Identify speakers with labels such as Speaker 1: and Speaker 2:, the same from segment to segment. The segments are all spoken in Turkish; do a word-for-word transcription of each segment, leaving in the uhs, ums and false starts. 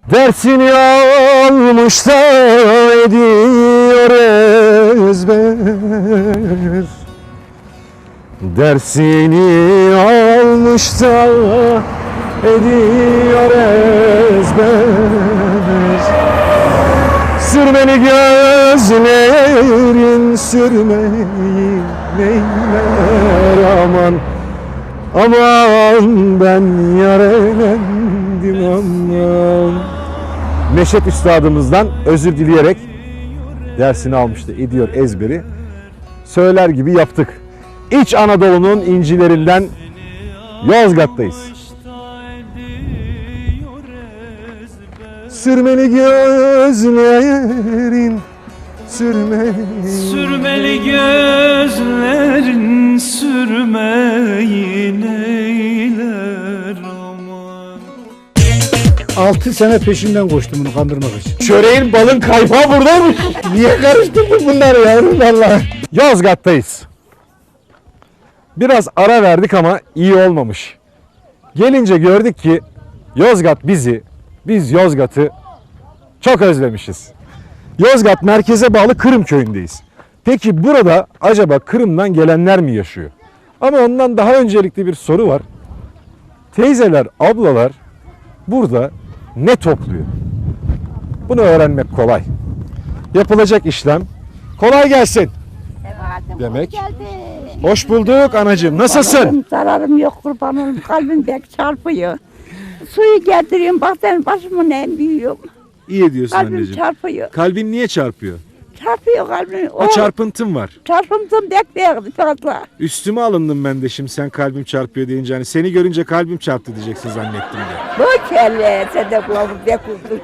Speaker 1: Dersini almış da ediyor ezber. Dersini almış da ediyor ezber. Sürmeli gözlerin sürmeyi neyler aman. Aman ben yarelendim aman. Neşet Üstadımızdan özür dileyerek dersini almıştı, ediyor ezberi. Söyler gibi yaptık. İç Anadolu'nun incilerinden Yozgat'tayız. Sürmeli gözlerin sürmeyi
Speaker 2: Sürmeli gözlerin sürmeyi neyler aman.
Speaker 3: Altı sene peşinden koştum bunu kandırmak için.
Speaker 1: Çöreğin balın kaymağı buradaymış. Niye karıştırdın bunları yavrum vallahi. Yozgat'tayız. Biraz ara verdik ama iyi olmamış. Gelince gördük ki Yozgat bizi, biz Yozgat'ı çok özlemişiz. Yozgat merkeze bağlı Kırım köyündeyiz. Peki burada acaba Kırım'dan gelenler mi yaşıyor? Ama ondan daha öncelikli bir soru var. Teyzeler, ablalar burada ne topluyor? Bunu öğrenmek kolay. Yapılacak işlem kolay gelsin demek. Hoş bulduk anacığım. Nasılsın?
Speaker 4: Zararım yok kurban olayım. Kalbim pek çarpıyor. Suyu getiriyorum. Bak senin başımın en büyüğüm.
Speaker 1: İyi ediyorsun
Speaker 4: Kalbim
Speaker 1: anneciğim.
Speaker 4: çarpıyor.
Speaker 1: Kalbin niye çarpıyor?
Speaker 4: Çarpıyor kalbim.
Speaker 1: Ha, çarpıntım var.
Speaker 4: Çarpıntım pek büyük fazla.
Speaker 1: Üstüme alındım ben de şimdi sen kalbim çarpıyor deyince. Hani seni görünce kalbim çarptı diyeceksin zannettim de.
Speaker 4: Bu kelle sen de kulağımı pek uzdun.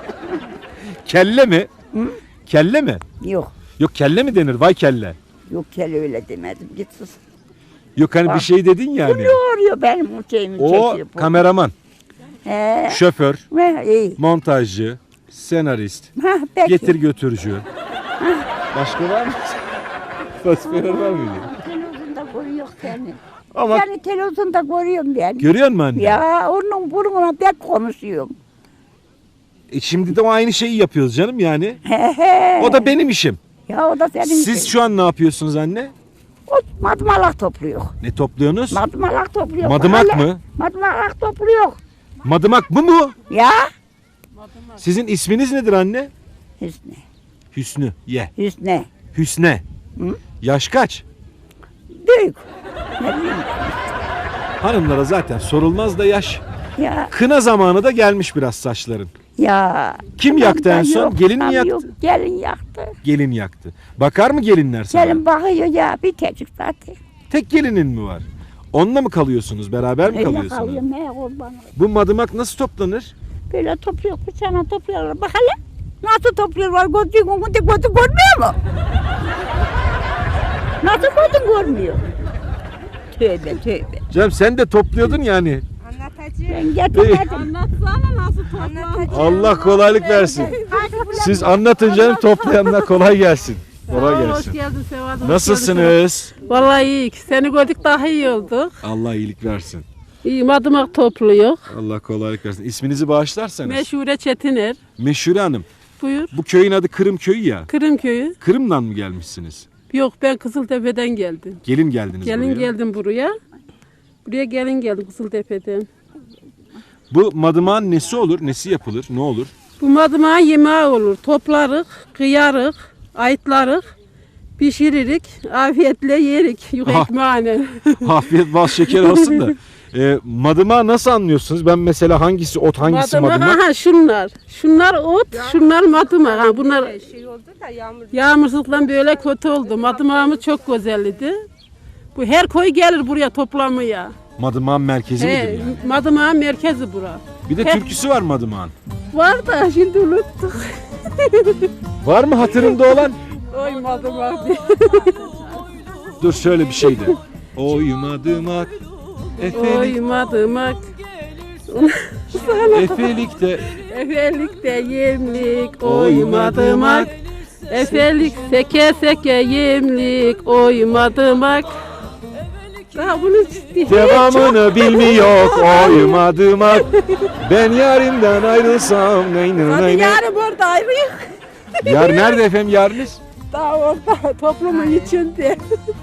Speaker 1: Kelle mi?
Speaker 4: Hı?
Speaker 1: Kelle mi?
Speaker 4: Yok.
Speaker 1: Yok kelle mi denir? Vay kelle.
Speaker 4: Yok kelle öyle demedim. Git sus.
Speaker 1: Yok hani
Speaker 4: Bak.
Speaker 1: bir şey dedin yani.
Speaker 4: Bu ne oluyor benim o şeyimi
Speaker 1: O
Speaker 4: çekiyor. bu.
Speaker 1: kameraman,
Speaker 4: He.
Speaker 1: şoför,
Speaker 4: Ha, iyi.
Speaker 1: montajcı, senarist,
Speaker 4: Ha, peki.
Speaker 1: getir götürücü. Başka var mı? Başka var mıydı?
Speaker 4: Televizyonda görüyor seni.
Speaker 1: Ama
Speaker 4: Seni televizyonda görüyorum ben.
Speaker 1: görüyor musun anne?
Speaker 4: Ya onun burnuna pek konuşuyorum.
Speaker 1: E şimdi de o aynı şeyi yapıyoruz canım yani.
Speaker 4: He he.
Speaker 1: O da benim işim.
Speaker 4: Ya o da senin
Speaker 1: Siz
Speaker 4: işin.
Speaker 1: şu an ne yapıyorsunuz anne?
Speaker 4: O madımalak topluyor.
Speaker 1: Ne topluyorsunuz?
Speaker 4: Madımalak topluyor.
Speaker 1: Madımak
Speaker 4: Mahalle-
Speaker 1: mı?
Speaker 4: Madımalak topluyor.
Speaker 1: Madımak mı bu?
Speaker 4: Ya.
Speaker 1: Sizin isminiz nedir anne?
Speaker 4: Hüsnü.
Speaker 1: Hüsnü. Ye.
Speaker 4: Hüsnü.
Speaker 1: Hüsne.
Speaker 4: Hı?
Speaker 1: Yaş kaç?
Speaker 4: Büyük. Ne bileyim.
Speaker 1: Hanımlara zaten sorulmaz da yaş.
Speaker 4: Ya.
Speaker 1: Kına zamanı da gelmiş biraz saçların.
Speaker 4: Ya.
Speaker 1: Kim
Speaker 4: Tamam
Speaker 1: yaktı en
Speaker 4: da
Speaker 1: son?
Speaker 4: yok,
Speaker 1: Gelin mi
Speaker 4: tamam
Speaker 1: yaktı?
Speaker 4: Yok, gelin yaktı.
Speaker 1: Gelin yaktı. Bakar mı gelinler sana?
Speaker 4: Gelin bakıyor ya bir tecik zaten.
Speaker 1: Tek gelinin mi var? Onunla mı kalıyorsunuz? Beraber mi
Speaker 4: Öyle
Speaker 1: kalıyorsunuz?
Speaker 4: kalıyorum he kurban olayım.
Speaker 1: Bu madımak nasıl toplanır?
Speaker 4: Böyle topluyor bıçağına topluyorlar. Bak hele. Nasıl topluyorlar? Gözü gözü gözü görmüyor mu? Nasıl gözün görmüyor? Tövbe tövbe.
Speaker 1: Canım sen de topluyordun yani.
Speaker 4: Ben getirmedim.
Speaker 5: Anlatsana nasıl toplandı?
Speaker 1: Allah kolaylık versin. Siz anlatın canım, toplayanlar kolay gelsin. Kolay
Speaker 5: Hoş
Speaker 1: gelsin.
Speaker 5: geldin Sevat. hoş
Speaker 1: Nasılsınız?
Speaker 5: geldin. Vallahi iyi. Seni gördük daha iyi olduk.
Speaker 1: Allah iyilik versin.
Speaker 5: İyi madımak topluyor.
Speaker 1: Allah kolaylık versin. İsminizi bağışlarsanız.
Speaker 5: Meşhure Çetiner.
Speaker 1: Meşhure Hanım.
Speaker 5: Buyur.
Speaker 1: Bu köyün adı Kırım Köyü ya.
Speaker 5: Kırım köyü.
Speaker 1: Kırım'dan mı gelmişsiniz?
Speaker 5: Yok ben Kızıltepe'den geldim.
Speaker 1: Gelin geldiniz
Speaker 5: Gelin
Speaker 1: buraya.
Speaker 5: geldim buraya. Buraya gelin geldim Kızıltepe'den.
Speaker 1: Bu madımağın nesi olur? Nesi yapılır? Ne olur?
Speaker 5: Bu madımağın yemeği olur. Toplarık, kıyarık, ayıtlarık, pişiririk, afiyetle yerik. Yok
Speaker 1: Ah.
Speaker 5: ekmeğine.
Speaker 1: Afiyet bal şeker olsun da. E, madımağı nasıl anlıyorsunuz? Ben mesela hangisi ot, hangisi
Speaker 5: Madımak,
Speaker 1: madımak?
Speaker 5: aha şunlar. Şunlar ot, şunlar madımak. Ha, bunlar
Speaker 6: Şey oldu da yağmur.
Speaker 5: yağmursuzluktan böyle kötü oldu. Madımağımız çok güzeldi. Bu her koy gelir buraya toplamaya.
Speaker 1: Madımağın merkezi midir
Speaker 5: He,
Speaker 1: yani?
Speaker 5: Madımağın merkezi bura.
Speaker 1: Bir de
Speaker 5: Hep-
Speaker 1: türküsü var madımağın.
Speaker 5: Var da şimdi unuttuk.
Speaker 1: Var mı hatırında olan?
Speaker 5: Oy madımak diye.
Speaker 1: Dur şöyle bir şeydi. Oy madımak, efelik,
Speaker 5: Oy madımak.
Speaker 1: efelikte.
Speaker 5: Efelikte yemlik oy madımak. Efelik seke seke yemlik oy madımak. Daha bunu
Speaker 1: Devamını bilmiyor oyum adıma. Ben yarimden ayrılsam ney ney
Speaker 5: Hadi
Speaker 1: ney.
Speaker 5: yarın orada ayrıyız.
Speaker 1: Yar nerede efendim yarınız?
Speaker 5: Daha orada toplumun içinde.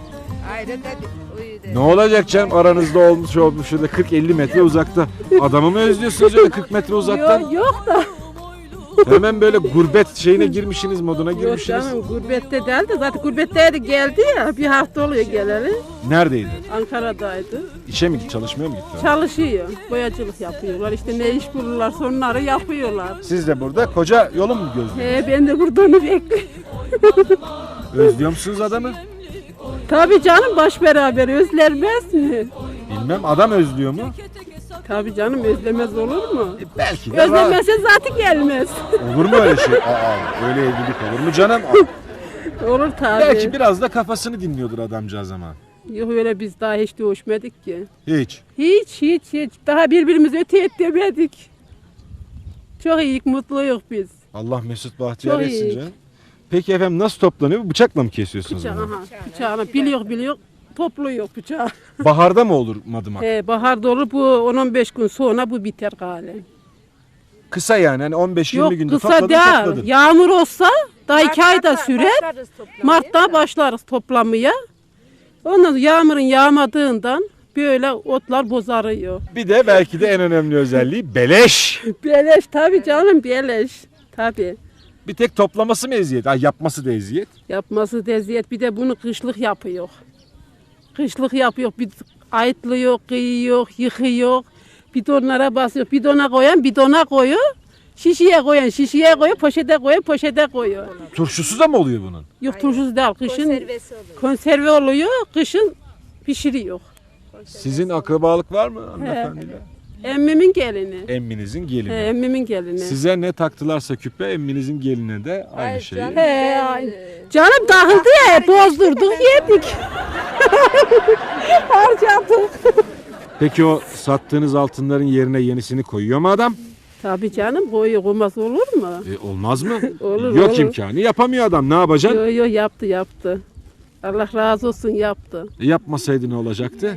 Speaker 1: Ne olacak canım aranızda olmuş olmuş şurada kırk elli metre uzakta. Adamı mı özlüyorsunuz öyle kırk metre uzaktan?
Speaker 5: Yok yok da.
Speaker 1: Hemen böyle gurbet şeyine girmişsiniz moduna
Speaker 5: Yok
Speaker 1: girmişsiniz.
Speaker 5: canım gurbette değil de zaten gurbetteydi geldi ya bir hafta oluyor geleli.
Speaker 1: Neredeydi?
Speaker 5: Ankara'daydı.
Speaker 1: İşe mi gitti çalışmaya mı gitti?
Speaker 5: Çalışıyor. Boyacılık yapıyorlar. İşte ne iş bulurlarsa onları yapıyorlar.
Speaker 1: Siz de burada koca yolu mu gözlüyorsunuz?
Speaker 5: He, ben de burada onu bekliyorum.
Speaker 1: Özlüyor musunuz adamı?
Speaker 5: Tabii canım baş beraber özlenmez mi?
Speaker 1: Bilmem adam özlüyor mu?
Speaker 5: Tabii canım özlemez olur mu?
Speaker 1: E, belki de
Speaker 5: Özlemezse zaten gelmez.
Speaker 1: var. Olur mu öyle şey? Aa, öyle evlilik olur mu canım?
Speaker 5: Olur tabii.
Speaker 1: Belki biraz da kafasını dinliyordur adamcağız ama.
Speaker 5: Yok öyle biz daha hiç dövüşmedik ki.
Speaker 1: Hiç.
Speaker 5: Hiç hiç hiç. Daha birbirimizi öte et demedik. Çok iyi mutluyuz biz.
Speaker 1: Allah mesut bahtiyar
Speaker 5: Çok
Speaker 1: etsin
Speaker 5: iyi.
Speaker 1: canım. Peki efendim nasıl toplanıyor? Bıçakla mı kesiyorsunuz
Speaker 5: Bıçağı,
Speaker 1: bunu?
Speaker 5: aha, bıçağını biliyor biliyor. Topluyor bıçağı.
Speaker 1: Baharda mı olur madımak?
Speaker 5: He, bahar dolu bu on on beş gün sonra bu biter galiba.
Speaker 1: Kısa yani hani on beş yirmi
Speaker 5: Yok
Speaker 1: günde
Speaker 5: kısa
Speaker 1: topladın
Speaker 5: değil.
Speaker 1: topladın.
Speaker 5: Yağmur olsa daha iki ayda sürer. Mart'ta başlarız toplamaya. Ondan sonra yağmurun yağmadığından böyle otlar bozarıyor.
Speaker 1: Bir de belki de en önemli özelliği beleş.
Speaker 5: Beleş tabii canım beleş. Tabii.
Speaker 1: Bir tek toplaması mı eziyet? Ay yapması da eziyet.
Speaker 5: Yapması deziyet bir de bunu kışlık yapıyor. Kışlık yapıyor. Bir ayıtlıyor, kıyıyor, yıkıyor. Bidonlara basıyor. Bidona koyan bidona koyuyor. Şişeye koyan şişeye koyuyor. Poşete koyan poşete koyuyor.
Speaker 1: Turşusu da mı oluyor bunun?
Speaker 5: Yok turşusu değil. Kışın konserve oluyor. Kışın pişiriyor.
Speaker 1: Sizin akrabalık var mı hanımefendiyle?
Speaker 5: Emmimin gelini.
Speaker 1: Emminizin
Speaker 5: He,
Speaker 1: gelini.
Speaker 5: emmimin gelini.
Speaker 1: Size ne taktılarsa küpe emminizin geline de aynı şeyi.
Speaker 5: He, ay- canım dağıldı ya bozdurduk yedik. Harcadık.
Speaker 1: Peki o sattığınız altınların yerine yenisini koyuyor mu adam?
Speaker 5: Tabii canım koyu koymaz olur mu?
Speaker 1: E, olmaz mı?
Speaker 5: Olur,
Speaker 1: Yok
Speaker 5: olur.
Speaker 1: imkanı. Yapamıyor adam. Ne yapacaksın?
Speaker 5: Yo yo yaptı yaptı. Allah razı olsun yaptı.
Speaker 1: E, yapmasaydı ne olacaktı?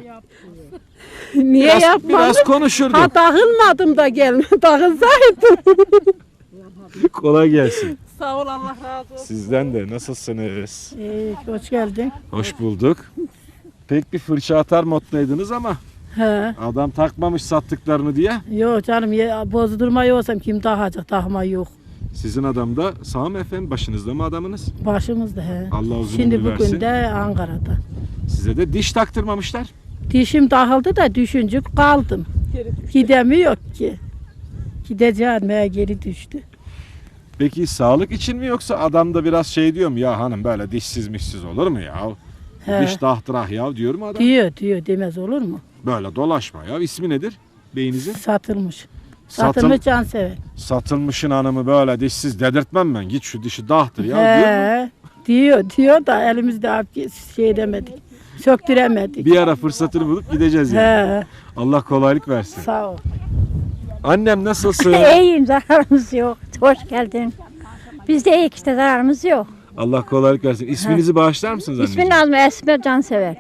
Speaker 5: Niye
Speaker 1: Biraz,
Speaker 5: yapmadı?
Speaker 1: biraz konuşurdu.
Speaker 5: Ha dağılmadım da gelme. Dağılsaydım.
Speaker 1: Kolay gelsin.
Speaker 5: Sağ ol Allah razı olsun.
Speaker 1: Sizden de nasılsınız?
Speaker 3: Ee, hoş geldin.
Speaker 1: Hoş bulduk. Pek bir fırça atar moddaydınız ama
Speaker 3: He.
Speaker 1: adam takmamış sattıklarını diye.
Speaker 3: Yok canım ya, bozdurma yoksam kim takacak, takma yok.
Speaker 1: Sizin adam da sağ mı efendim? Başınızda mı adamınız?
Speaker 3: Başımızda he.
Speaker 1: Allah uzun
Speaker 3: Şimdi
Speaker 1: ömür versin.
Speaker 3: bugün de Ankara'da.
Speaker 1: Size de diş taktırmamışlar.
Speaker 3: Dişim takıldı da düşüncük kaldım. Gidemiyor ki. Gideceğim meğer geri düştü.
Speaker 1: Peki sağlık için mi yoksa adam da biraz şey diyor mu? Ya hanım böyle dişsiz mişsiz olur mu ya?
Speaker 3: He.
Speaker 1: Diş tahtırah ya diyor mu adam?
Speaker 3: Diyor diyor demez olur mu?
Speaker 1: Böyle dolaşma ya. İsmi nedir beyinizin?
Speaker 3: Satılmış.
Speaker 1: Satıl,
Speaker 3: Satılmış cansever.
Speaker 1: satılmışın hanımı böyle dişsiz dedirtmem ben. Git şu dişi dahtır ya diyor mu?
Speaker 3: He. Diyor diyor da elimizde abi şey edemedik. Söktüremedik.
Speaker 1: Bir ara fırsatını bulup gideceğiz yani.
Speaker 3: He.
Speaker 1: Allah kolaylık versin.
Speaker 3: Sağ ol.
Speaker 1: Annem nasılsın?
Speaker 6: İyiyim, zararımız yok. Hoş geldin. Biz de iyi işte, zararımız yok.
Speaker 1: Allah kolaylık versin. İsminizi bağışlar mısınız anneciğim?
Speaker 6: İsmin Nazmi, Esme Cansever.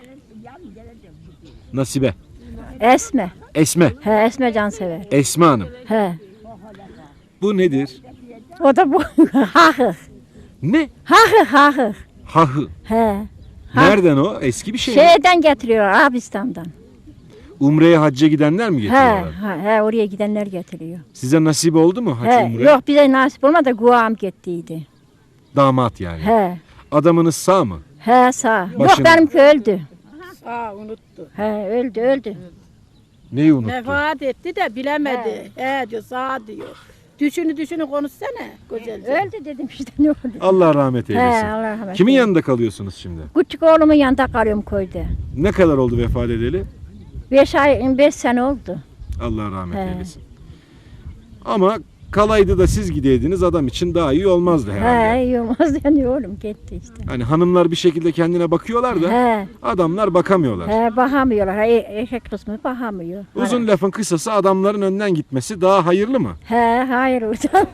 Speaker 1: Nasibe.
Speaker 6: Esme.
Speaker 1: Esme.
Speaker 6: He, Esme Cansever.
Speaker 1: Esme Hanım.
Speaker 6: He.
Speaker 1: Bu nedir?
Speaker 6: O da bu. Hahı.
Speaker 1: Ne?
Speaker 6: Hahı hahı.
Speaker 1: Hahı.
Speaker 6: He.
Speaker 1: Nereden o? Eski bir şey mi?
Speaker 6: Şeyden getiriyor, Arabistan'dan.
Speaker 1: Umre'ye hacca gidenler mi
Speaker 6: He,
Speaker 1: getiriyorlar?
Speaker 6: he, he, oraya gidenler getiriyor.
Speaker 1: Size nasip oldu mu hac
Speaker 6: He,
Speaker 1: umre?
Speaker 6: yok bize nasip olmadı, guam gittiydi.
Speaker 1: Damat yani.
Speaker 6: He.
Speaker 1: Adamınız sağ mı?
Speaker 6: He, sağ. Yok
Speaker 1: Başını-
Speaker 6: benimki öldü.
Speaker 3: Aa unuttu.
Speaker 6: He, öldü, öldü.
Speaker 1: Neyi unuttu?
Speaker 3: Vefat etti de bilemedi. He, diyor sağ diyor. Düşünü düşünü konuşsana güzelce.
Speaker 6: Öldü dedim işte, ne oldu?
Speaker 1: Allah rahmet
Speaker 6: He,
Speaker 1: eylesin.
Speaker 6: Allah rahmet
Speaker 1: Kimin
Speaker 6: eylesin.
Speaker 1: yanında kalıyorsunuz şimdi?
Speaker 6: Küçük oğlumun yanında kalıyorum köyde.
Speaker 1: Ne kadar oldu vefat edeli?
Speaker 6: Beş ay, beş sene oldu.
Speaker 1: Allah rahmet
Speaker 6: He.
Speaker 1: eylesin. Ama kalaydı da siz gideydiniz adam için daha iyi olmazdı herhalde.
Speaker 6: He, iyi olmaz yani oğlum gitti işte.
Speaker 1: Hani hanımlar bir şekilde kendine bakıyorlar da
Speaker 6: He,
Speaker 1: adamlar bakamıyorlar.
Speaker 6: he bakamıyorlar. He, erkek kısmı bakamıyor.
Speaker 1: Uzun lafın kısası adamların önden gitmesi daha hayırlı mı?
Speaker 6: He, hayır hocam.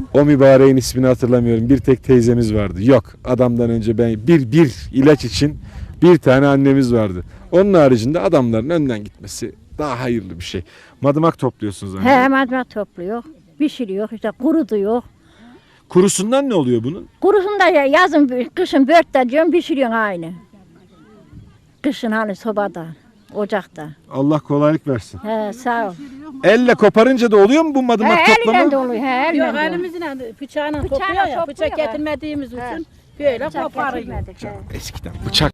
Speaker 1: O mübareğin ismini hatırlamıyorum. Bir tek teyzemiz vardı. Yok, adamdan önce ben bir bir ilaç için bir tane annemiz vardı. Onun haricinde adamların önden gitmesi daha hayırlı bir şey. Madımak topluyorsunuz anne.
Speaker 6: He madımak topluyor. Pişiriyor işte kurutuyor.
Speaker 1: Kurusundan ne oluyor bunun?
Speaker 6: Kurusunu da ya- yazın kışın börtte diyorum pişiriyorsun aynı. Kışın hani sobada, ocakta.
Speaker 1: Allah kolaylık versin.
Speaker 6: He sağ ol.
Speaker 1: Elle koparınca da oluyor mu bu madımak
Speaker 6: He
Speaker 1: toplama?
Speaker 6: elinden de oluyor. He elinden
Speaker 3: Yok
Speaker 6: de oluyor.
Speaker 3: elimizle bıçağına
Speaker 6: Bıçağına
Speaker 3: kopuyor ya.
Speaker 6: kopuyor
Speaker 3: Bıçak
Speaker 6: ya.
Speaker 3: getirmediğimiz için böyle
Speaker 6: Bıçak
Speaker 3: koparıyor.
Speaker 6: getirmedik, he.
Speaker 1: Eskiden bıçak.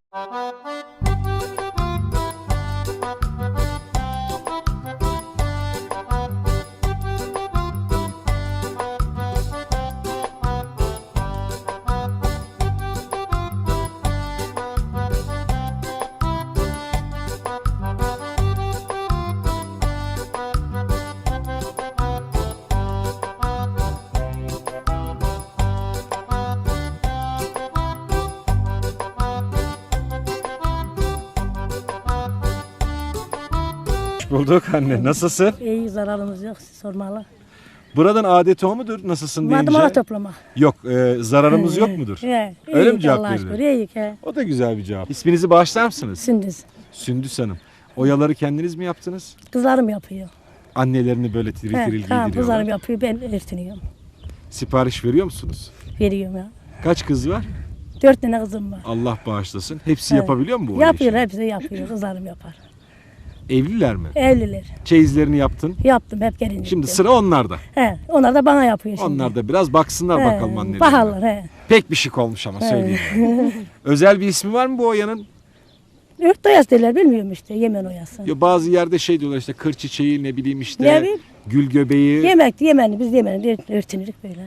Speaker 1: Hoş bulduk anne. Nasılsın?
Speaker 7: İyi zararımız yok sormalı.
Speaker 1: Buradan adeti o mudur? Nasılsın deyince?
Speaker 7: Madımalı toplamak.
Speaker 1: Yok, e, zararımız yok mudur?
Speaker 7: He,
Speaker 1: Öyle mi
Speaker 7: iyi
Speaker 1: cevap
Speaker 7: Allah'a
Speaker 1: verilir?
Speaker 7: şükür, iyi he.
Speaker 1: O da güzel bir cevap. İsminizi bağışlar mısınız?
Speaker 7: Sündüz.
Speaker 1: Sündüs Hanım. Oyaları kendiniz mi yaptınız?
Speaker 7: Kızlarım yapıyor.
Speaker 1: Annelerini böyle tiril
Speaker 7: He,
Speaker 1: tiril
Speaker 7: tamam,
Speaker 1: giydiriyorlar.
Speaker 7: kızlarım yapıyor ben örtünüyorum.
Speaker 1: Sipariş veriyor musunuz?
Speaker 7: Veriyorum ya.
Speaker 1: Kaç kız var?
Speaker 7: Dört tane kızım var.
Speaker 1: Allah bağışlasın. Hepsi
Speaker 7: He.
Speaker 1: yapabiliyor mu bu
Speaker 7: Yapıyor
Speaker 1: işi?
Speaker 7: hepsi yapıyor. Kızlarım yapar.
Speaker 1: Evliler mi?
Speaker 7: Evliler.
Speaker 1: Çeyizlerini yaptın.
Speaker 7: Yaptım hep gelince.
Speaker 1: Şimdi sıra onlarda.
Speaker 7: He, onlar da bana yapıyor şimdi.
Speaker 1: Onlar da biraz baksınlar
Speaker 7: He,
Speaker 1: bakalım annelerine.
Speaker 7: Baharlar he.
Speaker 1: Pek bir şık olmuş ama söyleyeyim. Özel bir ismi var mı bu oyanın?
Speaker 7: Ört doyas derler bilmiyorum işte Yemen oyası.
Speaker 1: Ya bazı yerde şey diyorlar işte kır çiçeği ne bileyim işte
Speaker 7: Ne bileyim?
Speaker 1: gül göbeği.
Speaker 7: Yemek Yemenli biz Yemenli örtünürük böyle.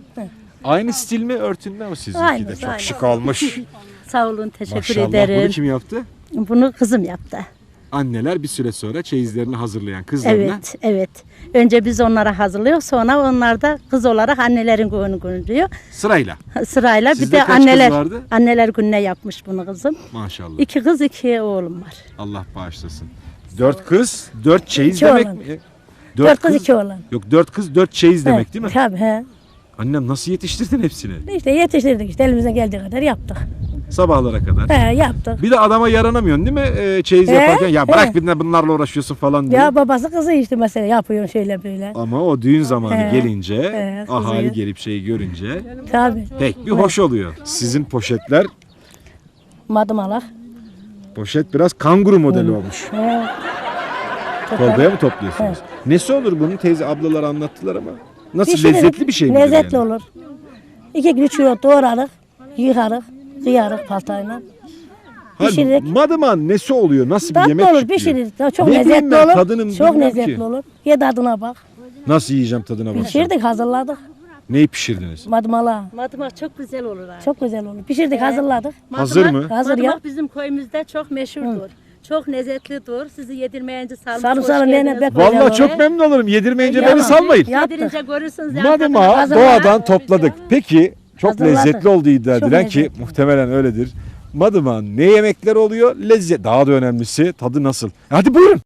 Speaker 1: Aynı stil mi örtünme o sizinki
Speaker 7: Aynı,
Speaker 1: de? Çok
Speaker 7: aynı.
Speaker 1: şık olmuş.
Speaker 8: Sağ olun, teşekkür
Speaker 1: Maşallah.
Speaker 8: ederim.
Speaker 1: Bunu kim yaptı?
Speaker 8: Bunu kızım yaptı.
Speaker 1: Anneler bir süre sonra çeyizlerini hazırlayan kızlarına.
Speaker 8: Evet, evet. Önce biz onlara hazırlıyoruz, sonra onlar da kız olarak annelerin gününü günlüyor.
Speaker 1: Sırayla.
Speaker 8: Sırayla
Speaker 1: Sizde
Speaker 8: bir de
Speaker 1: kaç kız
Speaker 8: anneler
Speaker 1: vardı?
Speaker 8: anneler gününe yapmış bunu kızım.
Speaker 1: Maşallah.
Speaker 8: İki kız, iki oğlum var.
Speaker 1: Allah bağışlasın. Dört kız, dört çeyiz
Speaker 7: İki
Speaker 1: demek
Speaker 7: oğlan.
Speaker 1: mi?
Speaker 7: Dört, kız iki oğlan.
Speaker 1: Yok dört kız, dört çeyiz demek
Speaker 7: He,
Speaker 1: değil mi?
Speaker 7: Tabii he.
Speaker 1: Annem nasıl yetiştirdin hepsini?
Speaker 7: İşte yetiştirdik işte elimizden geldiği kadar yaptık.
Speaker 1: Sabahlara kadar.
Speaker 7: He yaptık.
Speaker 1: Bir de adama yaranamıyorsun değil mi? Ee, çeyiz
Speaker 7: He,
Speaker 1: yaparken ya bırak
Speaker 7: he.
Speaker 1: bir de bunlarla uğraşıyorsun falan diye.
Speaker 7: Ya babası kızı işte mesela yapıyor şöyle böyle.
Speaker 1: Ama o düğün zamanı
Speaker 7: He,
Speaker 1: gelince,
Speaker 7: he,
Speaker 1: ahali
Speaker 7: kızıyor.
Speaker 1: gelip şeyi görünce
Speaker 7: Tabii.
Speaker 1: pek bir hoş oluyor. Sizin poşetler,
Speaker 7: Madımalak.
Speaker 1: poşet biraz kanguru modeli olmuş.
Speaker 7: He.
Speaker 1: Torbaya mı topluyorsunuz? Nesi olur bunun? Teyze ablalar anlattılar ama. Nasıl
Speaker 7: Pişiririk,
Speaker 1: lezzetli bir şey mi?
Speaker 7: Lezzetli olur. İki gün üç kilo doğrarık, yıkarık, kıyarık paltayla. Pişiririk.
Speaker 1: Madıman nesi oluyor? Nasıl bir
Speaker 7: Tatlı
Speaker 1: yemek
Speaker 7: olur,
Speaker 1: çıkıyor?
Speaker 7: pişirir. Çok
Speaker 1: Ne bileyim
Speaker 7: lezzetli
Speaker 1: ben,
Speaker 7: olur.
Speaker 1: tadını
Speaker 7: Çok
Speaker 1: bilmiyorum
Speaker 7: lezzetli
Speaker 1: ki.
Speaker 7: olur. Ye tadına bak.
Speaker 1: Nasıl yiyeceğim tadına bakacağım?
Speaker 7: Pişirdik, hazırladık.
Speaker 1: Neyi pişirdiniz?
Speaker 7: Madımala.
Speaker 8: Madımak çok güzel olur ha.
Speaker 7: Çok güzel olur. Pişirdik, hazırladık.
Speaker 1: Hazır mı?
Speaker 7: Hazır ya.
Speaker 8: Madımak bizim köyümüzde çok meşhurdur. Çok lezzetlidir. Sizi yedirmeyince sağlık
Speaker 7: Sarı
Speaker 8: hoş
Speaker 7: sarı
Speaker 8: geldiniz.
Speaker 7: nene bek
Speaker 1: Vallahi
Speaker 7: güzel
Speaker 1: çok
Speaker 7: olur.
Speaker 1: memnun olurum. Yedirmeyince
Speaker 7: Tamam.
Speaker 1: beni salmayın.
Speaker 7: Yaptık.
Speaker 8: Yedirince görürsünüz. ya.
Speaker 1: Madımağı
Speaker 7: Hazırlar.
Speaker 1: doğadan topladık. Peki çok
Speaker 7: Hazırladık.
Speaker 1: lezzetli olduğu iddia
Speaker 7: Çok
Speaker 1: edilen ki
Speaker 7: lezzetli.
Speaker 1: muhtemelen öyledir. Madımağın ne yemekler oluyor? Lezzet. Daha da önemlisi tadı nasıl? Hadi buyurun.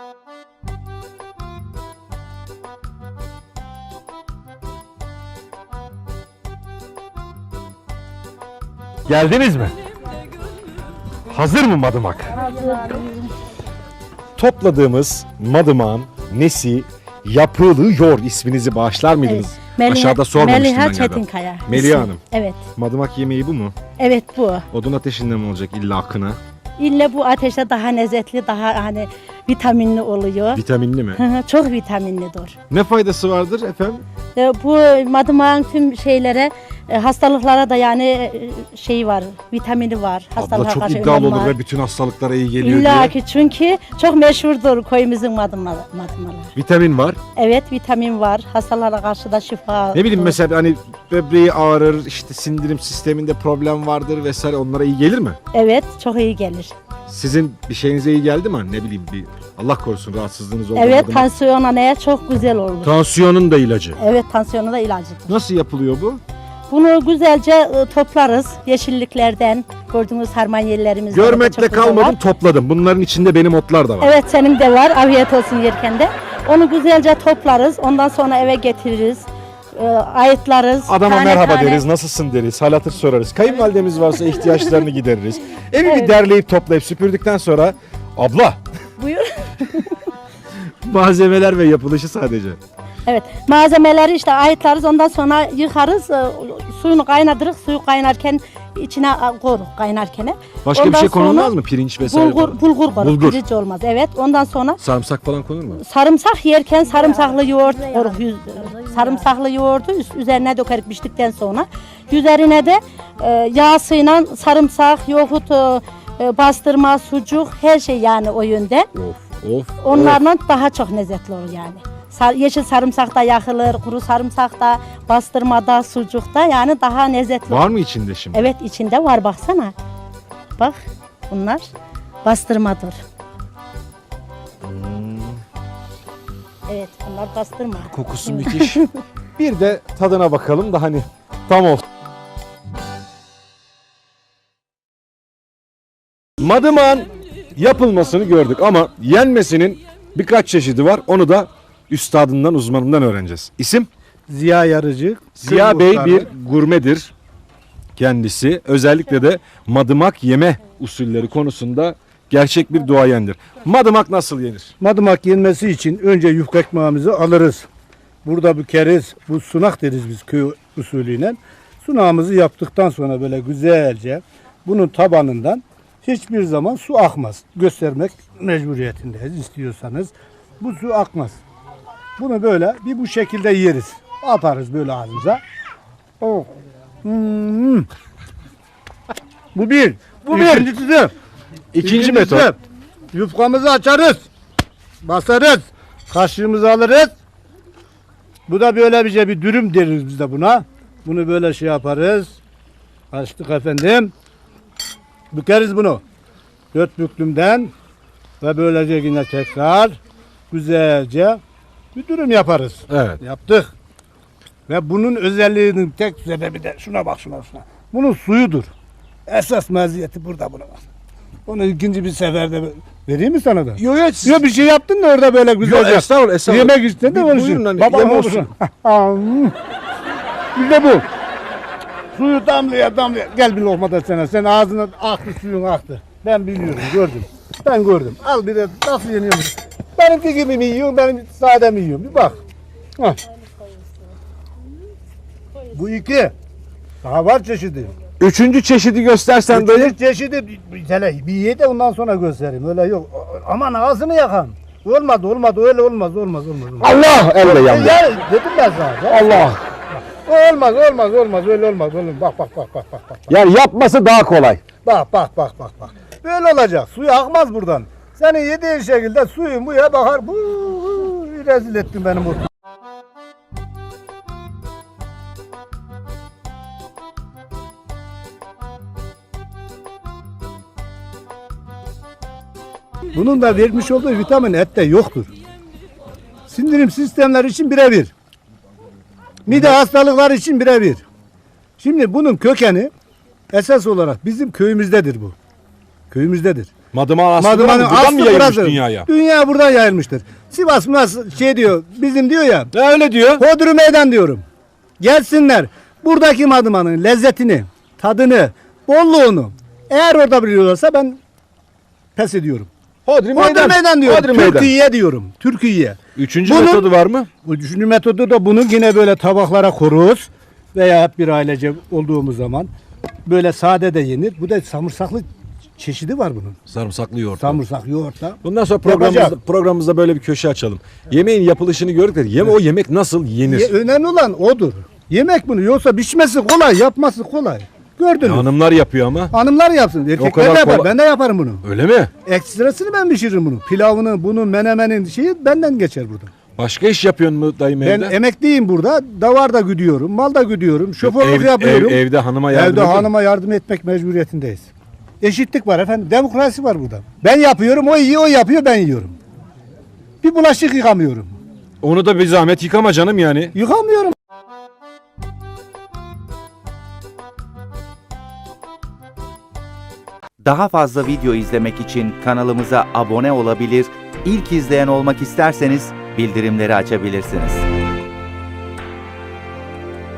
Speaker 1: Geldiniz mi? Hazır mı madımak? Topladığımız madımağın nesi yapılıyor isminizi bağışlar mıydınız?
Speaker 8: Meliha-
Speaker 1: Aşağıda sormamıştım
Speaker 8: Meliha
Speaker 1: ben galiba.
Speaker 8: Çetinkaya.
Speaker 1: Meliha
Speaker 8: İsim.
Speaker 1: Hanım.
Speaker 8: Evet.
Speaker 1: Madımak yemeği bu mu?
Speaker 8: Evet bu.
Speaker 1: Odun ateşinde mi olacak illa akına?
Speaker 8: İlle bu ateşte daha lezzetli, daha hani vitaminli oluyor.
Speaker 1: Vitaminli mi?
Speaker 8: Hı hı, çok vitaminlidir.
Speaker 1: Ne faydası vardır efendim?
Speaker 8: E, Bu madımağın tüm şeylere, e, hastalıklara da yani e, şeyi var, vitamini var.
Speaker 1: Abla
Speaker 8: Hastalığa
Speaker 1: çok
Speaker 8: karşı
Speaker 1: iddialı
Speaker 8: önlem
Speaker 1: olur
Speaker 8: var.
Speaker 1: ve bütün hastalıklara iyi geliyor
Speaker 8: İlla
Speaker 1: diye.
Speaker 8: ki çünkü çok meşhurdur köyümüzün madımaları. madımaları.
Speaker 1: Vitamin var.
Speaker 8: Evet, vitamin var. Hastalara karşı da şifa.
Speaker 1: Ne bileyim mesela hani böbreği ağrır, işte sindirim sisteminde problem vardır vesaire, onlara iyi gelir mi?
Speaker 8: Evet, çok iyi gelir.
Speaker 1: Sizin bir şeyinize iyi geldi mi? Ne bileyim bir Allah korusun rahatsızlığınız oldu.
Speaker 8: Evet, tansiyona neye çok güzel olur.
Speaker 1: Tansiyonun da ilacı.
Speaker 8: Evet, tansiyona da ilacıdır.
Speaker 1: Nasıl yapılıyor bu?
Speaker 8: Bunu güzelce e, toplarız yeşilliklerden. Gördüğünüz harmanyellerimizde.
Speaker 1: Görmekle kalmadım, topladım. Bunların içinde benim otlar da var.
Speaker 8: Evet, senin de var. Afiyet olsun yerken de. Onu güzelce toplarız. Ondan sonra eve getiririz. e, ayıtlarız.
Speaker 1: Adama
Speaker 8: tane
Speaker 1: merhaba
Speaker 8: tane.
Speaker 1: deriz, nasılsın deriz, hal hatır sorarız. Kayınvalidemiz varsa ihtiyaçlarını gideririz. Evi bir
Speaker 8: Evet.
Speaker 1: derleyip toplayıp süpürdükten sonra abla
Speaker 8: Buyur.
Speaker 1: malzemeler ve yapılışı sadece.
Speaker 8: Evet. Malzemeleri işte ayıtlarız. Ondan sonra yıkarız. e, Suyunu kaynatırız. Suyu kaynarken içine e, koyarız kaynarken.
Speaker 1: Başka
Speaker 8: Ondan
Speaker 1: bir şey
Speaker 8: sonra
Speaker 1: konulmaz mı? Pirinç vesaire
Speaker 8: Bulgur,
Speaker 1: falan?
Speaker 8: bulgur koyarız.
Speaker 1: Bulgur.
Speaker 8: Pirinç olmaz. Evet. Ondan sonra
Speaker 1: Sarımsak falan konur mu?
Speaker 8: sarımsak yerken sarımsaklı yoğurt koyarız. Yüz- Sarımsaklı yoğurdu üst- üzerine dökeriz piştikten sonra. Üzerine de e, yağsıyla sarımsak, yoğurt, e, e, bastırma, sucuk her şey yani o yönde.
Speaker 1: Of of.
Speaker 8: Onlarla daha çok lezzetli olur yani. Sar- yeşil sarımsak da yakılır, kuru sarımsak da, bastırmada, sucukta yani daha lezzetli olur.
Speaker 1: Var mı içinde şimdi?
Speaker 8: Evet içinde var baksana. Bak bunlar bastırmadır. Evet bunlar bastırma.
Speaker 1: Kokusu müthiş. Bir de tadına bakalım da hani tam olsun. Madımağın yapılmasını gördük ama yenmesinin birkaç çeşidi var. Onu da üstadından, uzmanından öğreneceğiz. İsim?
Speaker 9: Ziya Yarıcı.
Speaker 1: Ziya
Speaker 9: Kırk
Speaker 1: Bey
Speaker 9: muhtarı.
Speaker 1: bir gurmedir kendisi. Özellikle de madımak yeme usulleri konusunda gerçek bir duayendir. Madımak nasıl yenir?
Speaker 9: Madımak yenmesi için önce yufka ekmeğimizi alırız. Burada bükeriz. Bu sunak deriz biz köy usulüyle. Sunağımızı yaptıktan sonra böyle güzelce bunun tabanından hiçbir zaman su akmaz. Göstermek mecburiyetindeyiz istiyorsanız. Bu su akmaz. Bunu böyle bir bu şekilde yeriz. Atarız böyle ağzımıza. Oh. Hmm. Bu bir.
Speaker 1: Bu bir.
Speaker 9: İkincisi de
Speaker 1: İkinci
Speaker 9: İkincisi,
Speaker 1: metot.
Speaker 9: yufkamızı açarız. Basarız. Kaşığımızı alırız. Bu da böyle bir şey, bir dürüm deriz biz de buna. Bunu böyle şey yaparız. Açtık efendim. Bükeriz bunu. Dört büklümden ve böylece yine tekrar güzelce bir dürüm yaparız.
Speaker 1: Evet.
Speaker 9: Yaptık. Ve bunun özelliğinin tek sebebi de şuna bak şuna şuna. Bunun suyudur. Esas meziyeti burada buna bak. Onu ikinci bir seferde vereyim mi sana da?
Speaker 1: Yo yo siz...
Speaker 9: Yok bir şey yaptın da orada böyle güzel.
Speaker 1: Yo, estağfurullah, estağfurullah.
Speaker 9: Yemek istedin de
Speaker 1: Bir
Speaker 9: konuşun.
Speaker 1: buyurun hani,
Speaker 9: Baba
Speaker 1: yeme
Speaker 9: olsun. İşte bu. Suyu damlaya damlaya. Gel bir lokma da sana. Sen ağzına aktı suyun aktı. Ben biliyorum gördüm. Ben gördüm. Al bir de nasıl yeniyormuş. Benimki gibi mi yiyorsun benim sade mi yiyorum? Bir bak. Hah. Bu iki. Daha var çeşidi.
Speaker 1: Üçüncü çeşidi göstersen dayı.
Speaker 9: Üçüncü çeşidi bir, bir, tane- bir ye de ondan sonra göstereyim. Öyle yok. Aman ağzını yakan. Olmadı olmadı öyle olmaz olmaz olmaz. olmaz.
Speaker 1: Allah elle yandı.
Speaker 9: Ya, dedim ben sana.
Speaker 1: Allah.
Speaker 9: Olmaz olmaz olmaz öyle olmaz olmaz. Bak bak bak bak bak bak.
Speaker 1: Yani yapması daha kolay.
Speaker 9: Bak bak bak bak bak. Böyle olacak. Suyu akmaz buradan. Senin yediğin şekilde suyun buya bakar. Bu rezil ettin benim ortamı. Bunun da vermiş olduğu vitamin ette yoktur. Sindirim sistemleri için birebir. Mide hastalıkları için birebir. Şimdi bunun kökeni esas olarak bizim köyümüzdedir bu. Köyümüzdedir.
Speaker 1: Madımak aslı
Speaker 9: Madımanın
Speaker 1: buradan
Speaker 9: aslı
Speaker 1: mı yayılmış
Speaker 9: burası.
Speaker 1: dünyaya?
Speaker 9: Dünya buradan yayılmıştır. Sivas nasıl şey diyor, bizim diyor ya,
Speaker 1: Ne öyle diyor?
Speaker 9: Hodri meydan diyorum. Gelsinler, buradaki madımanın lezzetini, tadını, bolluğunu eğer orada biliyorlarsa ben pes ediyorum.
Speaker 1: Hodri
Speaker 9: Hodri
Speaker 1: meydan.
Speaker 9: meydan diyorum.
Speaker 1: Hodri meydan.
Speaker 9: Türkiye diyorum. Türkiye.
Speaker 1: Üçüncü
Speaker 9: Bunun-
Speaker 1: metodu var mı?
Speaker 9: Bu üçüncü metodu da bunu yine böyle tabaklara koruz veya hep bir ailece olduğumuz zaman böyle sade de yenir. Bu da samırsaklı çeşidi var bunun.
Speaker 1: Sarımsaklı yoğurt.
Speaker 9: Samırsak yoğurtla.
Speaker 1: Bundan sonra programımızda,
Speaker 9: Yapacak.
Speaker 1: programımızda böyle bir köşe açalım. Yemeğin yapılışını gördük de yeme o yemek nasıl yenir?
Speaker 9: Ye- önemli olan odur. Yemek bunu yoksa pişmesi kolay, yapması kolay. Gördünüz.
Speaker 1: Hanımlar yapıyor ama.
Speaker 9: Hanımlar yapsın. Erkekler
Speaker 1: kadar
Speaker 9: de yapar.
Speaker 1: kolay-
Speaker 9: Ben de yaparım bunu.
Speaker 1: Öyle mi?
Speaker 9: Ekstrasını ben pişiririm bunu. Pilavını, bunu, menemenin şeyi benden geçer burada.
Speaker 1: Başka iş yapıyorsun mu dayım
Speaker 9: Ben
Speaker 1: evde?
Speaker 9: emekliyim burada. Davar da güdüyorum, mal da güdüyorum, şoförlük
Speaker 1: Ev-
Speaker 9: yapıyorum.
Speaker 1: ev- evde hanıma yardım
Speaker 9: Evde
Speaker 1: ediyor
Speaker 9: hanıma yardım etmek mecburiyetindeyiz. Eşitlik var efendim. Demokrasi var burada. Ben yapıyorum, o yiyor, o yapıyor, ben yiyorum. Bir bulaşık yıkamıyorum.
Speaker 1: Onu da bir zahmet yıkama canım yani.
Speaker 9: Yıkamıyorum.
Speaker 10: Daha fazla video izlemek için kanalımıza abone olabilir, ilk izleyen olmak isterseniz bildirimleri açabilirsiniz.